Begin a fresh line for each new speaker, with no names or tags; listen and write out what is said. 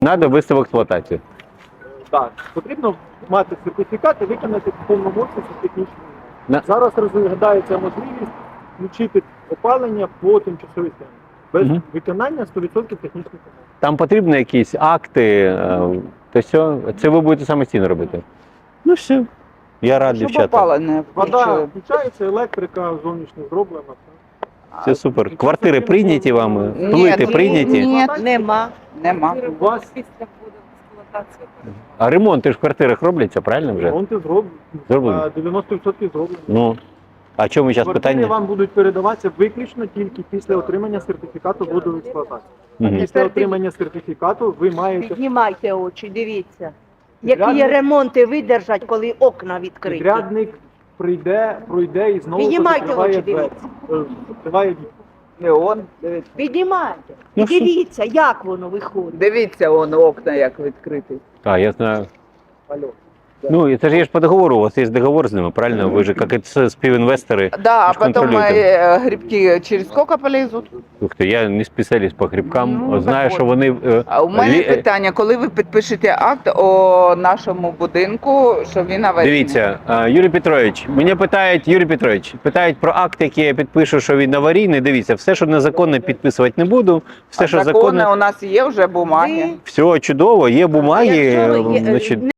Надо ввести в експлуатацію.
Так, потрібно мати сертифікат і виконати в повному обсязі технічні
На-
умови. Зараз розглядається можливість включити опалення по тимчасовій схемі. Без
Мгм.
виконання 100% технічних умов.
Там потрібні якісь акти, то все. Це ви будете самостійно робити. Ну все. Я радий,
Щоб
дівчата.
опалення
Вода
включили.
включається, електрика зовнішня зроблена.
Все супер. Квартири прийняті вами,
Ні,
плити
ні,
прийняті.
ні.
Нема.
Нема.
У вас
Після буде експлуатація.
А ремонти ж в квартирах робляться, правильно вже?
ремонти зроблені.
Зроблені.
90% зроблені.
Ну. А чому зараз
Квартири
питання?
вам будуть передаватися виключно тільки після отримання сертифікату вводу в експлуатацію.
Мгм.
Після отримання сертифікату ви маєте
Піднімайте очі, дивіться. Які
Підрядник-
ремонти видержать, коли окна відкриті.
підрядник пройде і знову
Піднімайте
закриває
очі,
двері. Закриває вікна.
Неон. Дивіться.
Піднімайте.
Ну,
І дивіться, як воно виходить.
Дивіться, вон окна як відкриті.
А, я знаю.
Алло.
Ну, это же по договору, у вас есть договор с ними, правильно? Вы же как это співінвестори.
Да, а
Вы ж
потом
контролюєте.
грибки через сколько полезут?
Ух ти, я не спеціаліст по грибкам.
Ну,
Знаю,
так
що
от.
вони
А у мене
лі-
питання, коли ви підпишете акт о нашому будинку, що він аварійний?
Дивіться, Юрій Петрович, мене питають про акт, який я підпишу, що він аварійний. Дивіться, все, що незаконне, підписувати не буду. Все,
А
що
закони
законне,
у нас є вже бумаги.
Ви-
все чудово, є бумаги.
Якщо є-
Значить,